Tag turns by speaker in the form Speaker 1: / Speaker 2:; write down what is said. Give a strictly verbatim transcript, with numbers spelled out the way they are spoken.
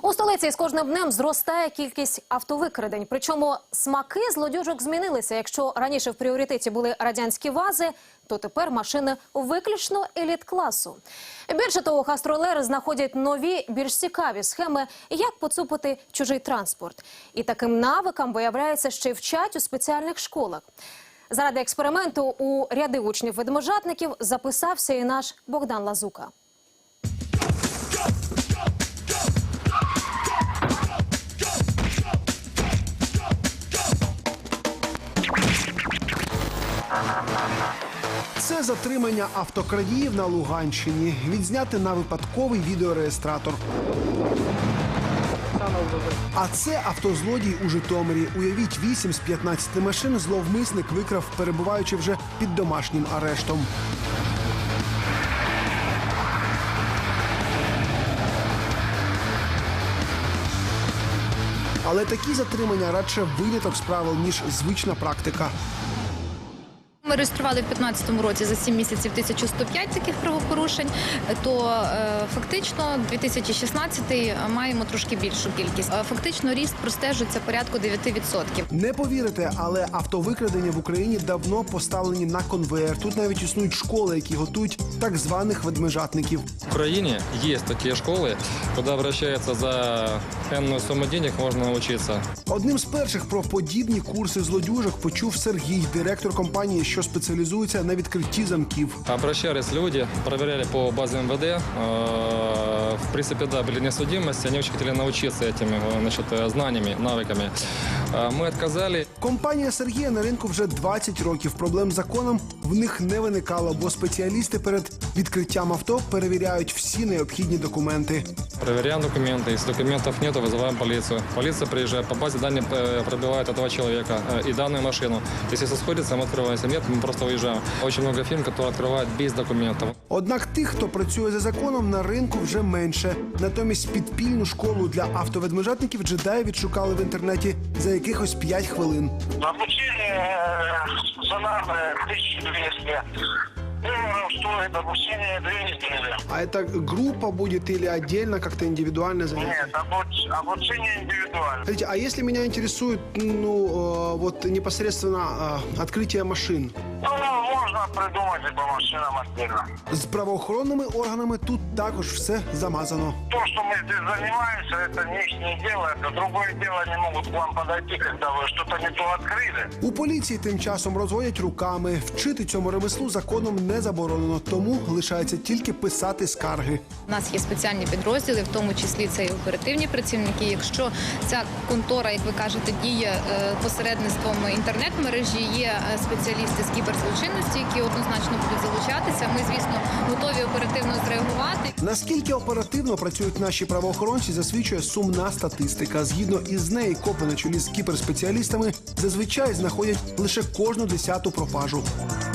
Speaker 1: У столиці з кожним днем зростає кількість автовикрадень. Причому смаки злодюжок змінилися. Якщо раніше в пріоритеті були радянські ВАЗи, то тепер машини виключно еліт-класу. Більше того, гастролери знаходять нові, більш цікаві схеми, як поцупити чужий транспорт. І таким навикам, виявляється, ще й вчать у спеціальних школах. Заради експерименту у ряди учнів-ведможатників записався і наш Богдан Лазука.
Speaker 2: Це затримання автокрадіїв на Луганщині. Відзняти на випадковий відеореєстратор. А це автозлодій у Житомирі. Уявіть, вісім з п'ятнадцяти машин зловмисник викрав, перебуваючи вже під домашнім арештом. Але такі затримання радше виняток з правил, ніж звична практика.
Speaker 3: Ми реєстрували в п'ятнадцятому році за сім місяців тисячу сто п'ять таких правопорушень, то е, фактично дві тисячі шістнадцятий маємо трошки більшу кількість. Е, фактично ріст простежується порядку дев'ять відсотків.
Speaker 2: Не повірите, але автовикрадення в Україні давно поставлені на конвеєр. Тут навіть існують школи, які готують так званих ведмежатників.
Speaker 4: В Украине есть такие школы, куда обращаются за энную сумму денег, можно научиться.
Speaker 2: Одним з перших про подібні курси злодюжок почув Сергій, директор компанії, що спеціалізується на відкритті замків.
Speaker 4: Обращались люди, проверяли по базе эм вэ дэ. Э, В принципе, да, были несудимости, они очень хотели научиться этими э, значит, э, знаниями, навыками. Э, Мы отказали.
Speaker 2: Компанія Сергія на ринку вже двадцять років. Проблем з законом в них не виникало, бо спеціалісти перед відкриттям авто перевіряють всі необхідні документи.
Speaker 4: Проверяем документы. Если документов нет, вызываем полицию. Полиция приезжает, по базе данные э, пробивает этого человека э, и данную машину. Если все сходится, мы открываем. Если нет, мы просто уезжаем. Очень много фирм, которые открывают без документов.
Speaker 2: Однак тих, хто працює за законом, на ринку вже менше. Натомість підпільну школу для автоведмежатників джедаї відшукали в інтернеті за якихось п'ять хвилин.
Speaker 5: Обучение сценарное тысяча двести долларов стоит обучение две недели.
Speaker 2: А это группа будет или отдельно как-то индивидуально занятие?
Speaker 5: Нет, обуч- обучение индивидуально.
Speaker 2: Смотрите, а если меня интересует, ну, э, вот непосредственно э, открытие машин?
Speaker 5: Ну, можно придумать и по машинам отдельно.
Speaker 2: З правоохоронними органами тут також все замазано.
Speaker 5: То, что мы здесь занимаемся, это не их дело. Это другое дело, они могут к вам подойти, когда вы что-то не то открыли.
Speaker 2: У поліції тим часом розводять руками. Вчити цьому ремеслу законом не заборонено, тому лишається тільки писати скарги.
Speaker 3: У нас є спеціальні підрозділи, в тому числі це і оперативні працівники. Якщо ця контора, як ви кажете, діє е, посередництвом інтернет-мережі, є е, спеціалісти з кіберзлочинності, які однозначно будуть залучатися. Ми, звісно, готові оперативно зреагувати.
Speaker 2: Наскільки оперативно працюють наші правоохоронці, засвідчує сумна статистика. Згідно із нею, копи на чолі з кіберспеціалістами зазвичай знаходять лише кожну десяту пропажу.